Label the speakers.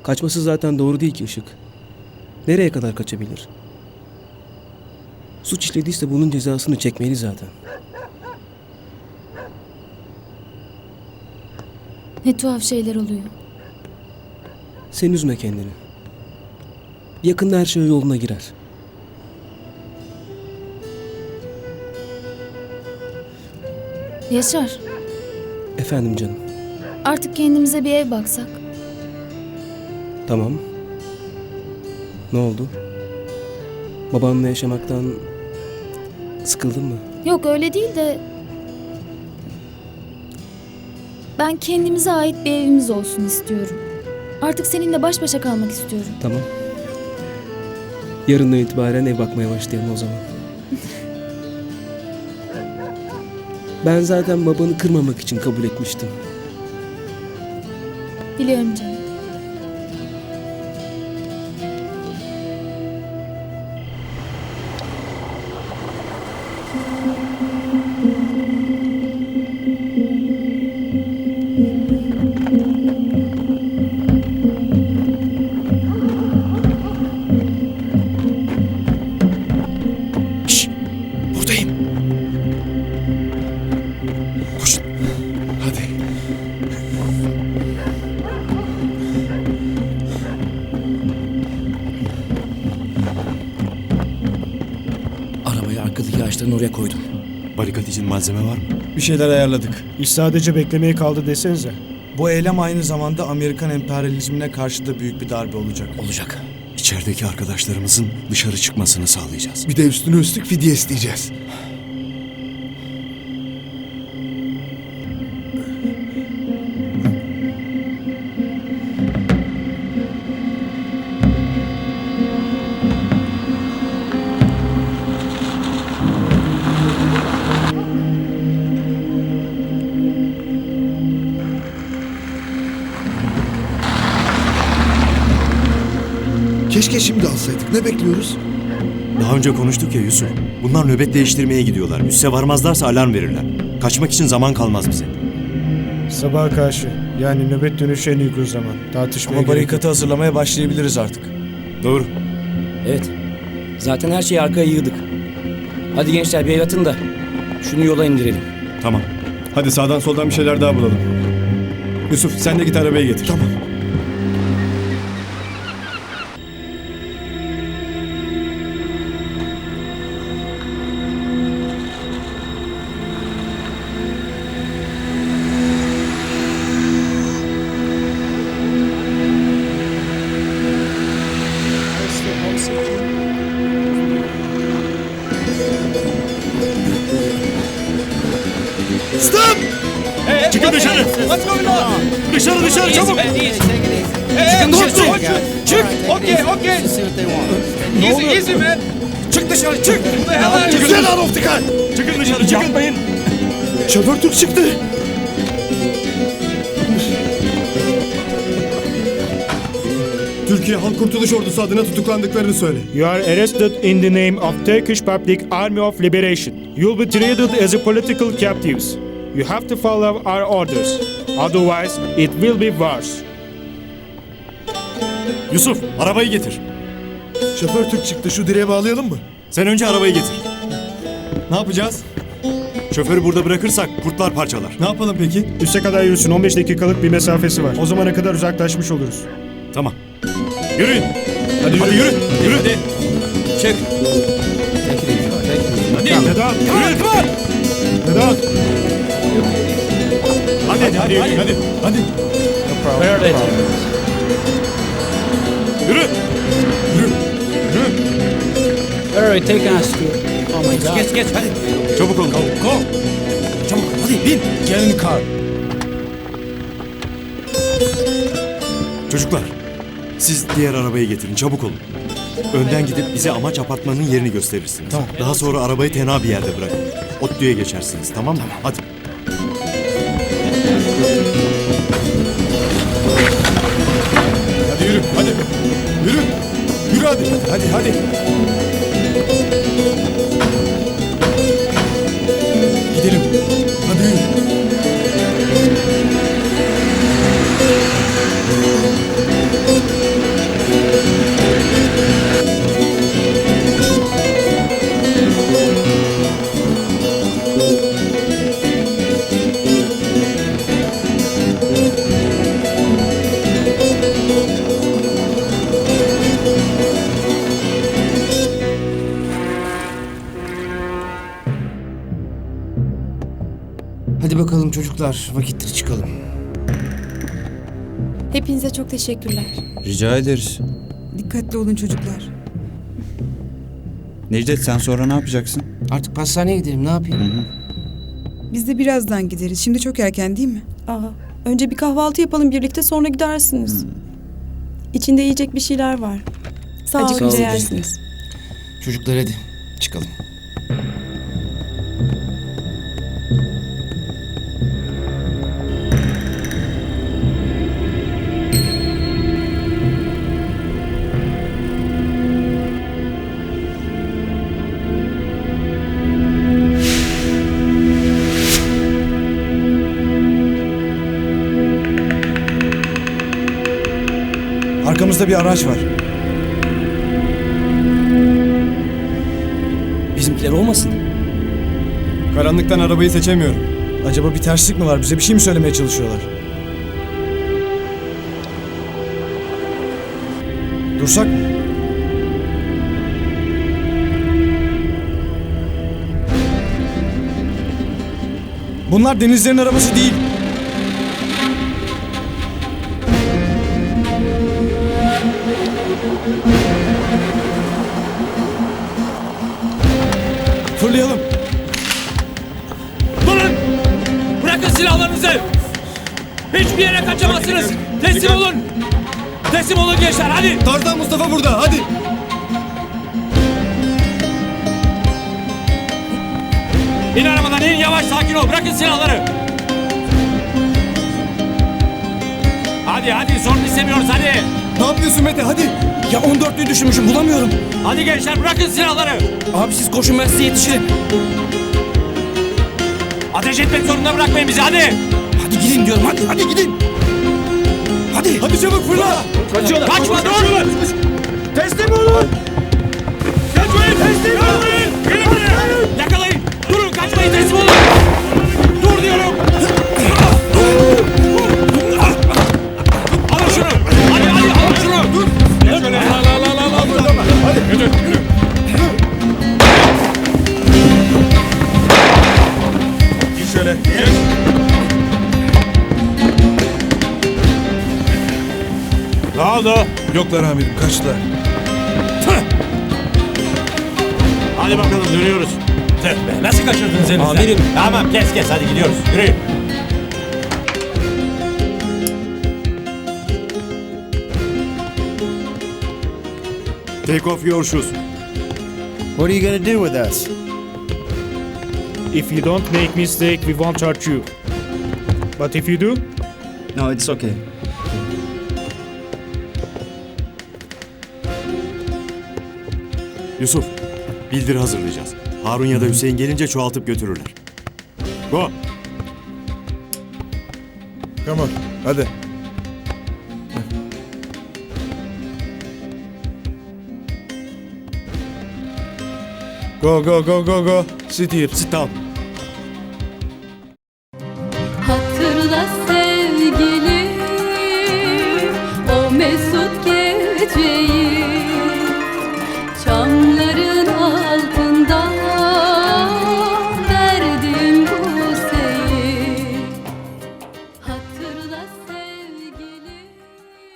Speaker 1: Kaçması zaten doğru değil ki Işık. Nereye kadar kaçabilir? Suç işlediyse bunun cezasını çekmeli zaten.
Speaker 2: Ne tuhaf şeyler oluyor.
Speaker 1: Sen üzme kendini. Yakında her şey yoluna girer.
Speaker 2: Yaşar,
Speaker 1: Efendim canım.
Speaker 2: artık kendimize bir ev baksak.
Speaker 1: Tamam. Ne oldu? Babanla yaşamaktan sıkıldın mı?
Speaker 2: Yok öyle değil de... Ben kendimize ait bir evimiz olsun istiyorum. Artık seninle baş başa kalmak istiyorum.
Speaker 1: Tamam. Yarından itibaren ev bakmaya başlayalım o zaman. Ben zaten babanı kırmamak için kabul etmiştim.
Speaker 2: Biliyorum canım.
Speaker 3: Şşş! Buradayım. Koşun. Hadi.
Speaker 4: Arabayı arkadaki ağaçların oraya koydum.
Speaker 3: Barikat için malzeme var mı?
Speaker 5: Bir şeyler ayarladık.
Speaker 6: İş sadece beklemeye kaldı desenize.
Speaker 5: Bu eylem aynı zamanda Amerikan emperyalizmine karşı da büyük bir darbe olacak.
Speaker 4: Olacak.
Speaker 3: İçerideki arkadaşlarımızın dışarı çıkmasını sağlayacağız.
Speaker 7: Bir de üstüne üstlük fidye isteyeceğiz. Keşke şimdi alsaydık. Ne bekliyoruz?
Speaker 3: Daha önce konuştuk ya Yusuf. Bunlar nöbet değiştirmeye gidiyorlar. Üsse varmazlarsa alarm verirler. Kaçmak için zaman kalmaz bize.
Speaker 6: Sabaha karşı. Yani nöbet dönüşü en uygun zaman. Tartışmaya
Speaker 5: Ama
Speaker 6: gerek yok.
Speaker 5: barikatı hazırlamaya başlayabiliriz artık.
Speaker 3: Doğru.
Speaker 4: Evet. Zaten her şeyi arkaya yığdık. Hadi gençler bir el atın da şunu yola indirelim.
Speaker 3: Tamam.
Speaker 8: Hadi sağdan soldan bir şeyler daha bulalım. Yusuf sen de git arabayı getir.
Speaker 7: Tamam. Stop!
Speaker 3: Çıkın dışarı! Dışarı dışarı çabuk!
Speaker 9: Çıkın dışarı. Çık. Okay. Easy man.
Speaker 5: Çık dışarı çık!
Speaker 7: Get out of the car!
Speaker 3: Çıkın dışarı çıkın! Yapmayın!
Speaker 7: Şoför Türk çıktı.
Speaker 8: Türkiye Halk Kurtuluş Ordusu adına tutuklandıklarını söyle.
Speaker 6: You are arrested in the name of Turkish Public Army of Liberation. You'll be treated as a political captives. You have to follow our orders. Otherwise, it will be worse.
Speaker 3: Yusuf arabayı getir.
Speaker 7: Şoför Türk çıktı. Şu direğe bağlayalım mı?
Speaker 3: Sen önce arabayı getir.
Speaker 8: Ne yapacağız?
Speaker 3: Şoförü burada bırakırsak kurtlar parçalar.
Speaker 8: Ne yapalım peki?
Speaker 6: Üste kadar yürüsün. 15 dakikalık bir mesafesi var. O zamana kadar uzaklaşmış oluruz.
Speaker 3: Tamam. Yürüyün. Hadi yürü. Yürü. Hadi.
Speaker 5: Çık!
Speaker 6: Vedat! Vedat!
Speaker 3: Hadi. Yürü.
Speaker 4: Alright, take us to... Oh my God.
Speaker 5: Geç hadi!
Speaker 3: Çabuk olun.
Speaker 5: Go! Çabuk hadi bin! Get in the car!
Speaker 3: Çocuklar, siz diğer arabayı getirin, çabuk olun. Önden gidip bize amaç apartmanın yerini gösterirsiniz.
Speaker 5: Tamam.
Speaker 3: Daha sonra arabayı tenha bir yerde bırakın. ODTÜ'ye geçersiniz, tamam mı? Hadi.
Speaker 8: Hadi yürü hadi. Yürü. Yürü hadi. Hadi.
Speaker 5: Gidelim.
Speaker 7: Hadi yürü.
Speaker 5: çocuklar vakittir çıkalım.
Speaker 10: Hepinize çok teşekkürler.
Speaker 9: Rica ederiz.
Speaker 11: Dikkatli olun çocuklar.
Speaker 9: Necdet sen sonra ne yapacaksın?
Speaker 1: Artık pastaneye gidelim, ne yapayım?
Speaker 11: Biz de birazdan gideriz. Şimdi çok erken değil mi?
Speaker 10: Önce bir kahvaltı yapalım birlikte sonra gidersiniz. İçinde yiyecek bir şeyler var. Sağ
Speaker 11: Acıkınca
Speaker 10: olun.
Speaker 11: yersiniz.
Speaker 1: Çocuklar hadi çıkalım.
Speaker 5: Arkamızda bir araç var.
Speaker 1: Bizimkiler olmasın?
Speaker 8: Karanlıktan arabayı seçemiyorum.
Speaker 5: Acaba bir terslik mi var? Bize bir şey mi söylemeye çalışıyorlar? Dursak mı? Bunlar Denizler'in arabası değil. Fırlayalım.
Speaker 4: Durun! Bırakın silahlarınızı! Hiçbir yere kaçamazsınız! Teslim olun! Teslim olun gençler hadi!
Speaker 8: Tarzan Mustafa burada hadi.
Speaker 4: İn arabadan in yavaş sakin ol bırakın silahları! Hadi sorun istemiyoruz hadi!
Speaker 8: Ne yapıyorsun Mete hadi.
Speaker 1: Ya 14'lüyü düşürmüşüm, bulamıyorum.
Speaker 4: Hadi gençler bırakın silahları!
Speaker 1: Abi siz koşun, ben size yetişirim.
Speaker 4: Ateş etmek zorunda bırakmayın bizi hadi!
Speaker 1: Hadi gidin diyorum, hadi gidin. Hadi.
Speaker 8: Hadi çabuk fırla.
Speaker 4: Kaçma dur!
Speaker 8: Teslim olun.
Speaker 4: Kaçmayın teslim olun! Gelin buraya! Yakalayın! Durun kaçmayın teslim olun! Dur diyorum! Alın şunu! Hadi alın şunu! Dur! Geç şöyle!
Speaker 8: Hadi yürü. Gir şöyle. Geç.
Speaker 4: Ne oldu?
Speaker 7: Yoklar amirim, kaçtılar.
Speaker 4: Hadi bakalım dönüyoruz. Tüh be, nasıl kaçırdınız elinizden?
Speaker 1: Amirim.
Speaker 4: Tamam kes hadi gidiyoruz. Yürüyün.
Speaker 3: Take off your shoes.
Speaker 9: What are you gonna do with us?
Speaker 6: If you don't make mistake, we won't hurt you. But if you do,
Speaker 9: No, it's okay.
Speaker 3: Yusuf, bildiri hazırlayacağız. Harun ya da Hüseyin gelince çoğaltıp götürürler. Go!
Speaker 7: Come on, hadi.
Speaker 5: Go.
Speaker 3: Sit down.